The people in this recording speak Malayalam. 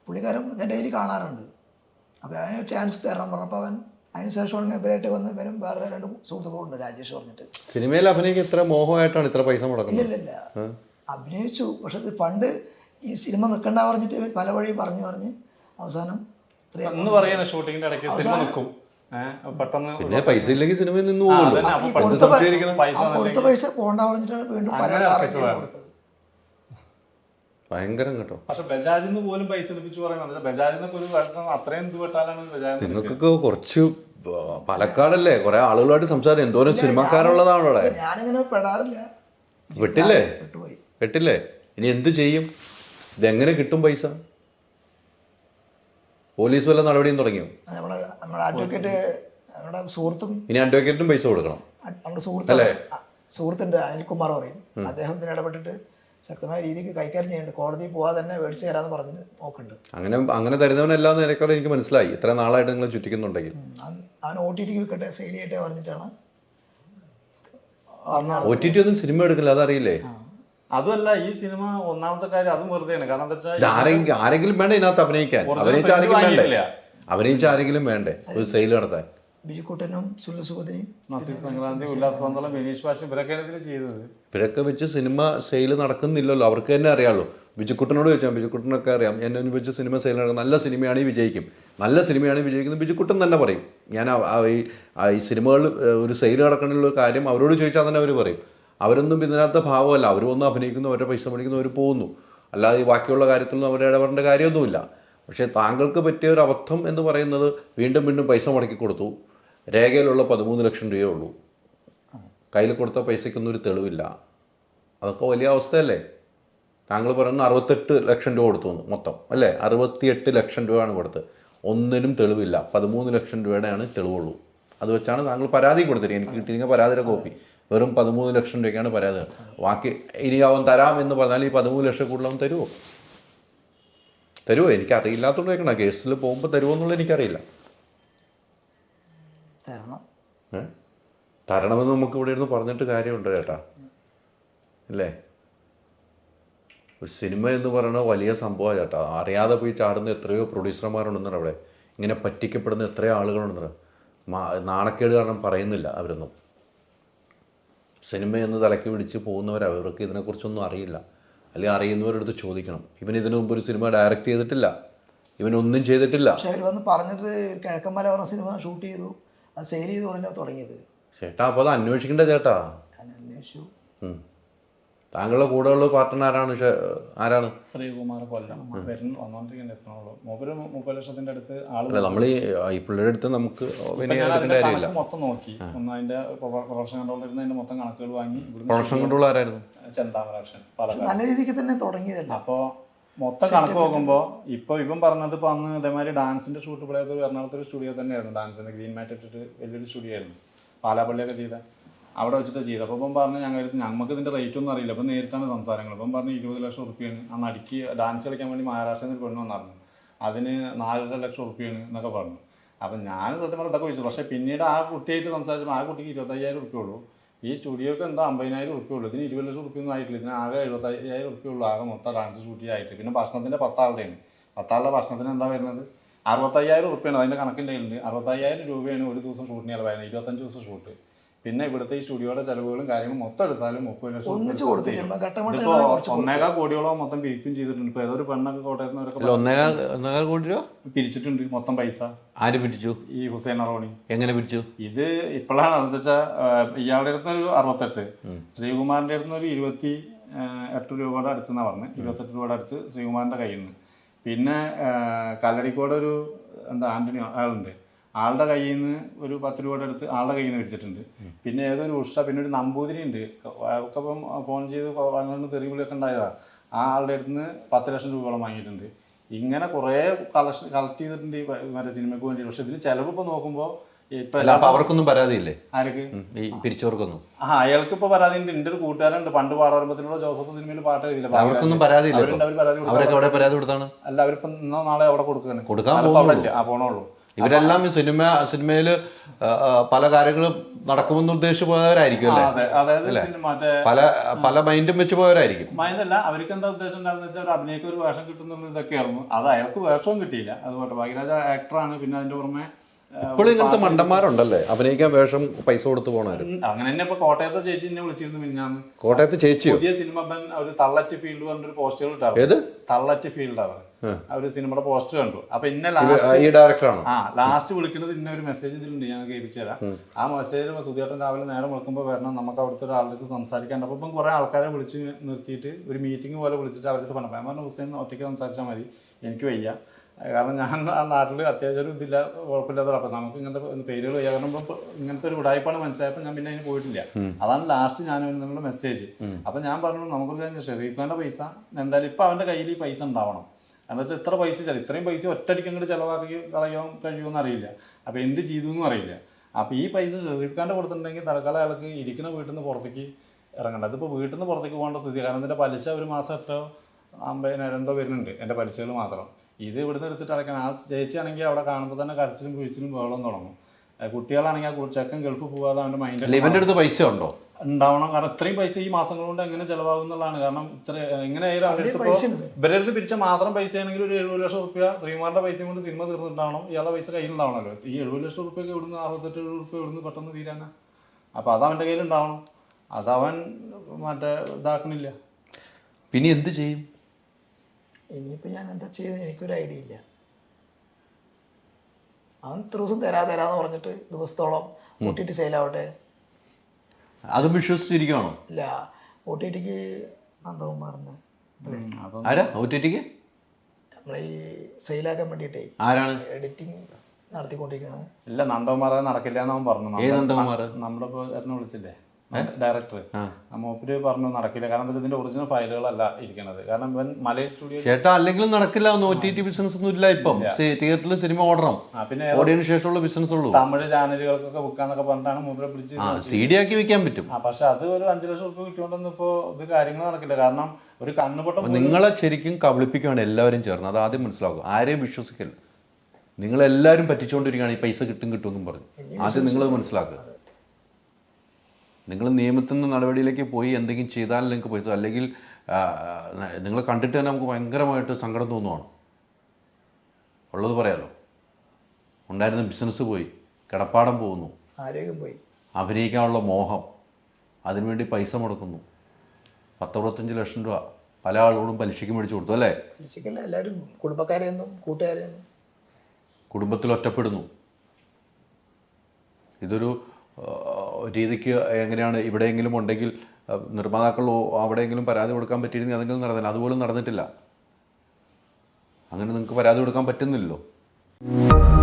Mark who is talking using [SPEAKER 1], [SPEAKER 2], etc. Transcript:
[SPEAKER 1] പുള്ളിക്കാരൻ ഞാൻ ഡെയിലി കാണാറുണ്ട്. അപ്പോൾ അതിന് ചാൻസ് തരണം പറഞ്ഞപ്പോൾ അവൻ അതിന് ശേഷമാണ് ഇവരായിട്ട് വന്ന് ഇവരും വേറെ 2 സുഹൃത്തുക്കളുണ്ട്, രാജേഷ് പറഞ്ഞിട്ട്.
[SPEAKER 2] സിനിമയിൽ അഭിനയിക്ക് ഇത്ര മോഹമായിട്ടാണ് ഇത്ര പൈസ മുടക്കുന്നത്?
[SPEAKER 1] ഇല്ല അഭിനയിച്ചു. പക്ഷെ ഇത് പണ്ട് ഈ സിനിമ നിൽക്കണ്ട പറഞ്ഞിട്ട് ഇവൻ പല വഴി പറഞ്ഞ് അവസാനം
[SPEAKER 3] ഷൂട്ടിങ്ങിന്റെ ഇടയ്ക്ക് സിനിമ നിൽക്കും. പെട്ടെന്ന്
[SPEAKER 2] പിന്നെ പൈസ ഇല്ലെങ്കിൽ സിനിമയിൽ നിന്ന് പോകുമല്ലോ.
[SPEAKER 1] കൊടുത്ത പൈസ പോകണ്ട പറഞ്ഞിട്ടാണ് വീണ്ടും പല കൊടുത്തത്.
[SPEAKER 2] ഭയങ്കരം കേട്ടോ.
[SPEAKER 3] പക്ഷെ ബജാജിന്ന് പോലും പൈസ എടുപ്പിച്ചു പറയുന്നത് ബജാജിന്നൊക്കെ ഒരു അത്രയും എന്ത് പെട്ടാലാണ് ബജാജ്.
[SPEAKER 2] നിങ്ങൾക്കൊക്കെ കുറച്ച് പാലക്കാടല്ലേ, കുറെ ആളുകളായിട്ട് സംസാരം, എന്തോരം സിനിമക്കാരുള്ളതാണ് അവിടെ.
[SPEAKER 1] ഞാനിങ്ങനെ പെടാറില്ല.
[SPEAKER 2] പെട്ടില്ലേ? ഇനി എന്ത് ചെയ്യും? ഇതെങ്ങനെ കിട്ടും പൈസ? പോലീസ് വല്ല നടപടിയും തുടങ്ങിയോ?
[SPEAKER 1] നമ്മുടെ അഡ്വക്കേറ്റ്, നമ്മുടെ സുഹൃത്തും,
[SPEAKER 2] ഇനി അഡ്വക്കേറ്റിനും പൈസ കൊടുക്കണം.
[SPEAKER 1] നമ്മുടെ സുഹൃത്തുണ്ട് അനിൽകുമാർ പറയും, അദ്ദേഹം ഇതിന് ഇടപെട്ടിട്ട് ശക്തമായ രീതിക്ക് കൈകാര്യം ചെയ്യുന്നുണ്ട്. കോടതിയിൽ പോകാതെ തന്നെ മേടിച്ച് തരാമെന്ന് പറഞ്ഞിട്ട് നോക്കുന്നുണ്ട്.
[SPEAKER 2] അങ്ങനെ തരുന്നവനല്ലാന്ന് എനിക്കവിടെ എനിക്ക് മനസ്സിലായി. ഇത്ര നാളായിട്ട് നിങ്ങൾ ചുറ്റിക്കുന്നുണ്ടെങ്കിൽ.
[SPEAKER 1] അവൻ OTT വിൽക്കട്ടെ, സെയിൽ ചെയ്യട്ടെ പറഞ്ഞിട്ടാണ്.
[SPEAKER 2] OTT ഒന്നും സിനിമ എടുക്കില്ല, അതറിയില്ലേ?
[SPEAKER 3] അതുമല്ല, ഈ സിനിമ ഒന്നാമത്തെ കാര്യം അതും വെറുതെയാണ്. കാരണം എന്താ വെച്ചാൽ
[SPEAKER 2] ആരെങ്കിലും വേണ്ടേ ഇതിനകത്ത് അഭിനയിക്കാൻ? അഭിനയിച്ച ആരെങ്കിലും വേണ്ടേ ഒരു സെയിൽ നടത്താൻ?
[SPEAKER 1] ബിജുക്കുട്ടനും സുല്ലസുഖത്തിനും
[SPEAKER 3] നസീർ സംക്രാന്തി, ഉല്ലാസ് പന്തളം, ബിനീഷ് ബാഷും ഇവരൊക്കെയാണ് ഇതിൽ ചെയ്തത്.
[SPEAKER 2] ഇവരൊക്കെ വെച്ച് സിനിമ സെയിൽ നടക്കുന്നില്ലല്ലോ. അവർക്ക് തന്നെ അറിയാമല്ലോ. ബിജുക്കുട്ടനോട് ചോദിച്ചാൽ ബിജുക്കുട്ടനൊക്കെ അറിയാം എന്നെ വെച്ച് സിനിമ സെയിൽ നടക്കും, നല്ല സിനിമയാണ് വിജയിക്കും, നല്ല സിനിമയാണ് വിജയിക്കുന്നത് ബിജുക്കുട്ടൻ തന്നെ പറയും. ഞാൻ ഈ സിനിമകൾ ഒരു സെയിൽ നടക്കണമെന്നുള്ള കാര്യം അവരോട് ചോദിച്ചാൽ തന്നെ അവർ പറയും. അവരൊന്നും ഇതിനകത്ത് ഭാവമല്ല. അവരൊന്നും അഭിനയിക്കുന്നു, അവരുടെ പൈസ മേടിക്കുന്നു, അവർ പോകുന്നു. അല്ലാതെ ഈ ബാക്കിയുള്ള കാര്യത്തിലൊന്നും അവരുടെ ഇടപെടേണ്ട കാര്യമൊന്നുമില്ല. പക്ഷേ താങ്കൾക്ക് പറ്റിയ ഒരു അബദ്ധം എന്ന് പറയുന്നത് വീണ്ടും പൈസ മുടക്കി കൊടുത്തു. രേഖയിലുള്ള 13 ലക്ഷം രൂപയേ ഉള്ളൂ. കയ്യിൽ കൊടുത്ത പൈസയ്ക്കൊന്നും ഒരു തെളിവില്ല. അതൊക്കെ വലിയ അവസ്ഥയല്ലേ? താങ്കൾ പറയുന്നത് 68 ലക്ഷം രൂപ കൊടുത്തു മൊത്തം അല്ലേ? 68 ലക്ഷം രൂപയാണ് കൊടുത്തത്. ഒന്നിനും തെളിവില്ല. 13 ലക്ഷം രൂപയുടെയാണ് തെളിവുള്ളൂ. അത് വെച്ചാണ് താങ്കൾ പരാതി കൊടുത്തിരിക്കുന്നത്. എനിക്ക് കിട്ടിയിരിക്കുന്ന പരാതിയുടെ കോപ്പി വെറും 13 ലക്ഷം രൂപയ്ക്കാണ് പരാതി. ബാക്കി ഇനി അവൻ തരാം എന്ന് പറഞ്ഞാൽ ഈ 13 ലക്ഷം കൂടുതൽ അവൻ തരുമോ? എനിക്കറിയില്ലാത്തതുകൊണ്ട് കേൾക്കണം. കേസിൽ പോകുമ്പോൾ തരുമോ എന്നുള്ളത് എനിക്കറിയില്ല. തരണമെന്ന് നമുക്ക് ഇവിടെ ഇരുന്ന് പറഞ്ഞിട്ട് കാര്യമുണ്ട് ചേട്ടാ, അല്ലേ? ഒരു സിനിമ എന്ന് പറയുന്നത് വലിയ സംഭവമാണ് ചേട്ടാ. അറിയാതെ പോയി ചാടുന്ന എത്രയോ പ്രൊഡ്യൂസർമാരുണ്ടെന്നാണ് അവിടെ. ഇങ്ങനെ പറ്റിക്കപ്പെടുന്ന എത്രയോ ആളുകളുണ്ടെന്ന്. നാണക്കേട് കാരണം പറയുന്നില്ല അവരൊന്നും. സിനിമയെന്ന് തലയ്ക്ക് പിടിച്ച് പോകുന്നവരാണ്. അവർക്ക് ഇതിനെക്കുറിച്ചൊന്നും അറിയില്ല. അല്ലെങ്കിൽ അറിയുന്നവരടുത്ത് ചോദിക്കണം. ഇതിനു മുമ്പ് ഒരു സിനിമ ഡയറക്റ്റ് ചെയ്തിട്ടില്ല, ഇവനൊന്നും ചെയ്തിട്ടില്ല.
[SPEAKER 1] പക്ഷെ അവർ വന്ന് പറഞ്ഞിട്ട് കിഴക്കമ്മല പറഞ്ഞ സിനിമ ഷൂട്ട് ചെയ്തു, അത് സെയിൽ ചെയ്ത് പറഞ്ഞാൽ തുടങ്ങിയത്.
[SPEAKER 2] ചേട്ടാ അപ്പോൾ അത് അന്വേഷിക്കണ്ടേ ചേട്ടാ?
[SPEAKER 1] അന്വേഷിച്ചു.
[SPEAKER 2] താങ്കളുടെ കൂടെയുള്ള പാർട്ട്ണർ ആരാണ്?
[SPEAKER 3] ശ്രീകുമാർ കൊല്ലം വന്നോണ്ടിരിക്കുന്നത്. 30 ലക്ഷത്തിന്റെ അടുത്ത് ആളുകൾ.
[SPEAKER 2] നമ്മൾ ഈ പിള്ളേരുടെ അടുത്ത് നമുക്ക്
[SPEAKER 3] മൊത്തം നോക്കി ഒന്ന് അതിന്റെ പ്രൊഡക്ഷൻ കൺട്രോൾ ഇരുന്ന് അതിന്റെ മൊത്തം കണക്കുകൾ വാങ്ങി.
[SPEAKER 2] പ്രൊഡക്ഷൻ കൺട്രോൾ ആരായിരുന്നു?
[SPEAKER 3] ചെന്താമരാക്ഷൻ
[SPEAKER 1] നല്ല രീതിക്ക് തന്നെ തുടങ്ങിയതല്ല.
[SPEAKER 3] അപ്പൊ മൊത്തം കണക്ക് നോക്കുമ്പോൾ ഇവൻ പറഞ്ഞത് ഇപ്പൊ അന്ന് ഇതേമാതിരി ഡാൻസിന്റെ ഷൂട്ട് ഇവിടെ എറണാകുളത്തെ ഒരു സ്റ്റുഡിയോ തന്നെയായിരുന്നു. ഡാൻസിന്റെ ഗ്രീൻ മാറ്റ് ഇട്ടിട്ട് വലിയൊരു സ്റ്റുഡിയോ ആയിരുന്നു, പാലാപ്പള്ളിയൊക്കെ ചെയ്ത അവിടെ വെച്ചിട്ട് ചെയ്ത്. അപ്പോൾ ഇപ്പം പറഞ്ഞ് ഞങ്ങൾക്ക് ഇതിന്റെ റേറ്റ് ഒന്നും അറിയില്ല. അപ്പം നേരിട്ടാണ് സംസാരങ്ങൾ. ഇപ്പം പറഞ്ഞ് 20 ലക്ഷം റുപ്യാണ് അന്ന് അടിക്ക് ഡാൻസ് കളിക്കാൻ വേണ്ടി മഹാരാഷ്ട്രയിൽ നിന്ന് പെണ്ണ് വന്നിരുന്നു. അതിന് 4.5 ലക്ഷം റുപ്യാണ് എന്നൊക്കെ പറഞ്ഞു. അപ്പം ഞാൻ സത്യം പറഞ്ഞാൽ ഇതൊക്കെ ചോദിച്ചു. പക്ഷേ പിന്നീട് ആ കുട്ടിയായിട്ട് സംസാരിച്ചപ്പോൾ ആ കുട്ടിക്ക് 25,000 റുപ്യ ഉള്ളൂ. ഈ സ്റ്റുഡിയോക്ക് എന്താ 50,000 റുപ്യ ഉള്ളൂ. ഇതിന് 20 ലക്ഷം റുപ്യൊന്നും ആയിട്ടില്ല. ഇതിന് ആകെ 75,000 റുപ്യ ഉള്ളൂ. ആകെ മൊത്തം ഡാൻസ് ഷൂട്ടിംഗ് ആയിട്ട്. പിന്നെ ഭക്ഷണത്തിൻ്റെ 10 ആളുടെയാണ്. 10 ആളുടെ ഭക്ഷണത്തിന് എന്താ വരുന്നത്? 65,000 റുപ്യാണ് അതിൻ്റെ കണക്കിൻ്റെ കയ്യിലുണ്ട്. 60,000 രൂപയാണ് ഒരു ദിവസം ഷൂട്ടിന് ചിലവായിരുന്നത്. 25 ദിവസം ഷൂട്ട്. പിന്നെ ഇവിടുത്തെ ഈ സ്റ്റുഡിയോയുടെ ചെലവുകളും കാര്യങ്ങളും മൊത്തം എടുത്താലും 30 ലക്ഷം ഇപ്പോൾ 1.25 കോടിയോളം മൊത്തം പിരിക്കും ചെയ്തിട്ടുണ്ട്. ഇപ്പൊ ഏതൊരു പെണ്ണൊക്കെ കോട്ടയത്ത്
[SPEAKER 2] 1.25 കോടി രൂപ പിരിച്ചിട്ടുണ്ട്
[SPEAKER 3] മൊത്തം പൈസ.
[SPEAKER 2] ആര് പിരിച്ചു?
[SPEAKER 3] ഈ ഹുസൈൻ അറോണി.
[SPEAKER 2] എങ്ങനെ പിരിച്ചു?
[SPEAKER 3] ഇത് ഇപ്പോഴാണ് എന്താ വെച്ചാൽ ഇയാളുടെ അടുത്ത് ഒരു 68, ശ്രീകുമാറിന്റെ അടുത്ത് ഒരു 28 രൂപയുടെ അടുത്തെന്നാ പറഞ്ഞത്. 28 രൂപയുടെ അടുത്ത് ശ്രീകുമാറിന്റെ കയ്യിൽ നിന്ന്. പിന്നെ കല്ലടിക്കോട് ഒരു ആന്റണി ആളുണ്ട്, ആളുടെ കയ്യിൽ നിന്ന് ഒരു 10 രൂപയുടെ അടുത്ത് ആളുടെ കയ്യിൽ നിന്ന് വെച്ചിട്ടുണ്ട്. പിന്നെ ഏതൊരു ഉഷ, പിന്നെ ഒരു നമ്പൂതിരി ഉണ്ട്. ഒക്കെ ഇപ്പം ഫോൺ ചെയ്ത് വന്നിട്ട് തെറിവിളിയൊക്കെ ഉണ്ടായതാണ്. ആ ആളുടെ അടുത്ത് നിന്ന് 10 ലക്ഷം രൂപയോളം വാങ്ങിയിട്ടുണ്ട്. ഇങ്ങനെ കുറേ കളക്ട് ചെയ്തിട്ടുണ്ട് ഈ മറ്റേ സിനിമയ്ക്ക് വേണ്ടി. പക്ഷെ ഇതിന് ചിലവ് ഇപ്പോൾ നോക്കുമ്പോൾ
[SPEAKER 2] അവർക്കൊന്നും പരാതിയില്ലേ?
[SPEAKER 3] ആർക്ക്?
[SPEAKER 2] ഈ പിരിച്ചവർക്കൊന്നും.
[SPEAKER 3] അയാൾക്ക് ഇപ്പോൾ പരാതി ഉണ്ട്. എൻ്റെ ഒരു കൂട്ടുകാരുണ്ട്, പണ്ട് പാടാറുമ്പത്തിലുള്ള ജോസഫ് സിനിമയിൽ പാട്ട് എഴുതിയില്ല.
[SPEAKER 2] അവർക്കൊന്നും പരാതിയില്ല.
[SPEAKER 3] പരാതി കൊടുത്താണ്. അല്ല, അവരിപ്പം ഇന്നോ നാളെ അവിടെ കൊടുക്കുകയാണ്.
[SPEAKER 2] കൊടുക്കാൻ
[SPEAKER 3] പോണുള്ളൂ.
[SPEAKER 2] ഇവരെല്ലാം ഈ സിനിമയിൽ പല കാര്യങ്ങളും നടക്കുമെന്ന് ഉദ്ദേശിച്ച് പോയവരായിരിക്കും അല്ലേ?
[SPEAKER 3] അതെ, അതായത് മറ്റേ
[SPEAKER 2] പല മൈൻഡും വെച്ച് പോയവരായിരിക്കും.
[SPEAKER 3] മൈൻഡല്ല, അവർക്ക് എന്താ ഉദ്ദേശം ഉണ്ടാകുന്ന വെച്ചാൽ ഒരു അഭിനയിക്ക് ഒരു വേഷം കിട്ടുന്നുള്ള ഇതൊക്കെയായിരുന്നു. അത് അയാൾക്ക് വേഷവും കിട്ടിയില്ല. അതുപോലെ ഭാഗ്യരാജ ആക്ടറാണ്. പിന്നെ അതിന്റെ പുറമെ
[SPEAKER 2] ഇപ്പോഴും ഇങ്ങനത്തെ മണ്ടന്മാരുണ്ടല്ലേ അഭിനയിക്കാൻ വേഷം പൈസ കൊടുത്ത് പോണവര്.
[SPEAKER 3] അങ്ങനെ തന്നെ ഇപ്പൊ കോട്ടയത്തെ ചേച്ചി എന്നെ വിളിച്ചിരുന്നു മിഞ്ഞാന്ന്.
[SPEAKER 2] കോട്ടയത്ത് ചേച്ചിയോ?
[SPEAKER 3] പുതിയ സിനിമ ഒരു തള്ളറ്റ് ഫീൽഡ് പറഞ്ഞൊരു പോസ്റ്റർ ഇട്ടാണ്.
[SPEAKER 2] ഏത്
[SPEAKER 3] തള്ളറ്റ് ഫീൽഡാണ് അവര് സിനിമയുടെ പോസ്റ്റർ കണ്ടു. അപ്പൊ ഇന്ന
[SPEAKER 2] ഈ ഡയറക്ടറാണോ?
[SPEAKER 3] ലാസ്റ്റ് വിളിക്കുന്നത് ഇന്ന ഒരു മെസ്സേജ് ഇതിലുണ്ട്, ഞാൻ കേൾപ്പിച്ചു തരാം. ആ മെസ്സേജ് സുധിയേട്ടൻ രാവിലെ നേരം വിളിക്കുമ്പോൾ വരണം, നമുക്ക് അവിടുത്തെ ഒരാൾക്ക് സംസാരിക്കാണ്ട്. അപ്പം ഇപ്പം കുറെ ആൾക്കാരെ വിളിച്ച് നിർത്തിയിട്ട് ഒരു മീറ്റിംഗ് പോലെ വിളിച്ചിട്ട് അവരുടെ പറഞ്ഞു, ഞാൻ പറഞ്ഞു ഹുസൈൻ ഒറ്റയ്ക്ക് സംസാരിച്ചാൽ മതി, എനിക്ക് വയ്യ, കാരണം ഞാൻ ആ നാട്ടിൽ അത്യാവശ്യം ഒരു ഇതില്ല, കുഴപ്പമില്ലാത്ത. അപ്പം നമുക്ക് ഇങ്ങനത്തെ പേരുകൾ വയ്യ, കാരണം ഇപ്പം ഇങ്ങനത്തെ ഒരു ഉടായ്പാണ് മനസ്സിലായപ്പോൾ ഞാൻ പിന്നെ അതിന് പോയിട്ടില്ല. അതാണ് ലാസ്റ്റ് ഞാൻ നിങ്ങളുടെ മെസ്സേജ്. അപ്പം ഞാൻ പറഞ്ഞു നമുക്കൊരു കാര്യം, ഷെരീഫ് ഖാൻ്റെ പൈസ എന്തായാലും ഇപ്പം അവൻ്റെ കയ്യിൽ ഈ പൈസ ഉണ്ടാവണം. എന്താ വെച്ചാൽ ഇത്ര പൈസ ഇത്രയും പൈസ ഒറ്റയടിക്ക് അങ്ങോട്ട് ചിലവാക്കി കളയാൻ കഴിയുമെന്ന് അറിയില്ല. അപ്പോൾ എന്ത് ചെയ്തു എന്നും അറിയില്ല. അപ്പോൾ ഈ പൈസ ഷെരീഫ് ഖാൻ്റെ കൊടുത്തിട്ടുണ്ടെങ്കിൽ തൽക്കാലം അയാൾക്ക് ഇരിക്കുന്ന വീട്ടിൽ നിന്ന് പുറത്തേക്ക് ഇറങ്ങണ്ട. അതിപ്പോൾ വീട്ടിൽ നിന്ന് പുറത്തേക്ക് പോകേണ്ട സ്ഥിതി, കാരണം ഇതിൻ്റെ പലിശ ഒരു മാസം എത്രയോ 50,000 എന്തോ വരുന്നുണ്ട് എൻ്റെ പലിശകൾ മാത്രം. ഇത് ഇവിടുന്ന് എടുത്തിട്ട് അടയ്ക്കണം. ആ ചേച്ചിയാണെങ്കിൽ അവിടെ കാണുമ്പോൾ തന്നെ കരച്ചിലും കുഴിച്ചിലും വെള്ളം തുടങ്ങും. കുട്ടികളാണെങ്കിൽ ആ ചെക്കൻ ഗൾഫ് പോകാതെ അവൻ്റെ മൈൻഡ്
[SPEAKER 2] ഇവന്റെ അടുത്ത് പൈസ ഉണ്ടോ
[SPEAKER 3] ഉണ്ടാവണം. കാരണം ഇത്രയും പൈസ ഈ മാസങ്ങൾ കൊണ്ട് എങ്ങനെ ചിലവാകും എന്നുള്ളതാണ്. കാരണം ഇത്ര എങ്ങനെയായാലും ഇവരുടെ അടുത്ത് പിരിച്ച മാത്രം പൈസ ആണെങ്കിൽ ഒരു 70 ലക്ഷം റുപ്യ ശ്രീമാന്റെ പൈസയും കൊണ്ട് സിനിമ തീർന്നിട്ടാവണം, ഇയാളുടെ പൈസ കയ്യിലുണ്ടാവണമല്ലോ. ഈ 70 ലക്ഷം റുപ്യൊക്കെ ഇവിടുന്ന് 68 റുപ്യ ഇവിടുന്ന് പെട്ടെന്ന് തീരാനാ. അപ്പോൾ അത് അവൻ്റെ കയ്യിലുണ്ടാവണം. അതവൻ മറ്റേ ഇതാക്കണില്ല.
[SPEAKER 2] പിന്നെ എന്ത് ചെയ്യും?
[SPEAKER 1] ഇനിയിപ്പോൾ ഞാൻ എന്താ ചെയ്യുന്നത് എനിക്കൊരു ഐഡിയ ഇല്ല. അവൻ ഇത്ര ദിവസം തരാന്ന് പറഞ്ഞിട്ട് ദിവസത്തോളം OTT സെയിലാവട്ടെ.
[SPEAKER 2] അതും വിശ്വസിച്ചിരിക്കുകയാണോ?
[SPEAKER 1] ഇല്ല, OTTക്ക് നന്ദകുമാറിൻ്റെ
[SPEAKER 2] ആരാ OTTക്ക്
[SPEAKER 1] നമ്മളെ ഈ സെയിലാക്കാൻ വേണ്ടിയിട്ടേ
[SPEAKER 2] ആരാണ്
[SPEAKER 1] എഡിറ്റിംഗ് നടത്തിക്കൊണ്ടിരിക്കുന്നത്?
[SPEAKER 3] ഇല്ല, നന്ദകുമാർ നടക്കില്ല എന്നവൻ പറഞ്ഞു.
[SPEAKER 2] നന്ദകുമാർ
[SPEAKER 3] നമ്മുടെ ഇപ്പോൾ എന്നെ വിളിച്ചില്ലേ ഡയറക്ടർ, മൂപ്പര് പറഞ്ഞു നടക്കില്ല. കാരണം എന്താ വെച്ചാൽ ഇതിന്റെ ഒറിജിനൽ ഫയലുകളല്ല ഇരിക്കുന്നത്. കാരണം ഇവൻ മലയ സ്റ്റുഡിയോ
[SPEAKER 2] ചേട്ടാ അല്ലെങ്കിലും നടക്കില്ല. OTT ബിസിനസ് ഒന്നും ഇല്ല ഇപ്പം. തിയേറ്ററിൽ സിനിമ ഓടണം,
[SPEAKER 3] പിന്നെ
[SPEAKER 2] ഓടിയതിനു ശേഷമുള്ള ബിസിനസ് ഉള്ളൂ.
[SPEAKER 3] തമിഴ് ചാനലുകൾക്കൊക്കെ വിൽക്കാന്നൊക്കെ പറഞ്ഞിട്ടാണ് മൂപ്പരെ പിടിച്ച്
[SPEAKER 2] CD ആക്കി വെക്കാൻ പറ്റും.
[SPEAKER 3] പക്ഷെ അത് ഒരു 5 ലക്ഷം റുപ്യ കിട്ടിയോണ്ടൊന്നും ഇപ്പോൾ ഇത് കാര്യങ്ങൾ നടക്കില്ല. കാരണം ഒരു കണ്ണുപൊട്ടം
[SPEAKER 2] നിങ്ങളെ ശരിക്കും കബളിപ്പിക്കുകയാണ് എല്ലാവരും ചേർന്ന്. അത് ആദ്യം മനസ്സിലാക്കും. ആരെയും വിശ്വസിക്കില്ല. നിങ്ങളെല്ലാവരും പറ്റിച്ചുകൊണ്ടിരിക്കുകയാണ് ഈ പൈസ കിട്ടുമെന്നും പറഞ്ഞു. ആദ്യം നിങ്ങളത് മനസ്സിലാക്കുക. നിങ്ങൾ നിയമത്തിൽ നിന്ന് നടപടിയിലേക്ക് പോയി എന്തെങ്കിലും ചെയ്താൽ നിങ്ങൾക്ക് പൈസ, അല്ലെങ്കിൽ നിങ്ങൾ കണ്ടിട്ട് തന്നെ നമുക്ക് ഭയങ്കരമായിട്ട് സങ്കടം തോന്നുവാണ്. ഉള്ളത് പറയാലോ. ഉണ്ടായിരുന്ന ബിസിനസ് പോയി, കിടപ്പാടം പോകുന്നു,
[SPEAKER 1] ആരോഗ്യം പോയി,
[SPEAKER 2] അഭിനയിക്കാനുള്ള മോഹം, അതിനുവേണ്ടി പൈസ മുടക്കുന്നു. 10-25 ലക്ഷം രൂപ പല ആളോടും പലിശയ്ക്ക് മേടിച്ചു കൊടുത്തു അല്ലേ?
[SPEAKER 1] പലിശക്കല്ല, എല്ലാവരും കുടുംബക്കാരെയൊന്നും കൂട്ടുകാരെയൊന്നും.
[SPEAKER 2] കുടുംബത്തിൽ ഒറ്റപ്പെടുന്നു. ഇതൊരു രീതിക്ക് എങ്ങനെയാണ് ഇവിടെയെങ്കിലും ഉണ്ടെങ്കിൽ നിർമ്മാതാക്കൾ അവിടെയെങ്കിലും പരാതി കൊടുക്കാൻ പറ്റിയിരുന്നെങ്കിൽ അതെങ്കിലും നടന്നില്ല. അതുപോലും നടന്നിട്ടില്ല. അങ്ങനെ നിങ്ങൾക്ക് പരാതി കൊടുക്കാൻ പറ്റുന്നില്ലല്ലോ.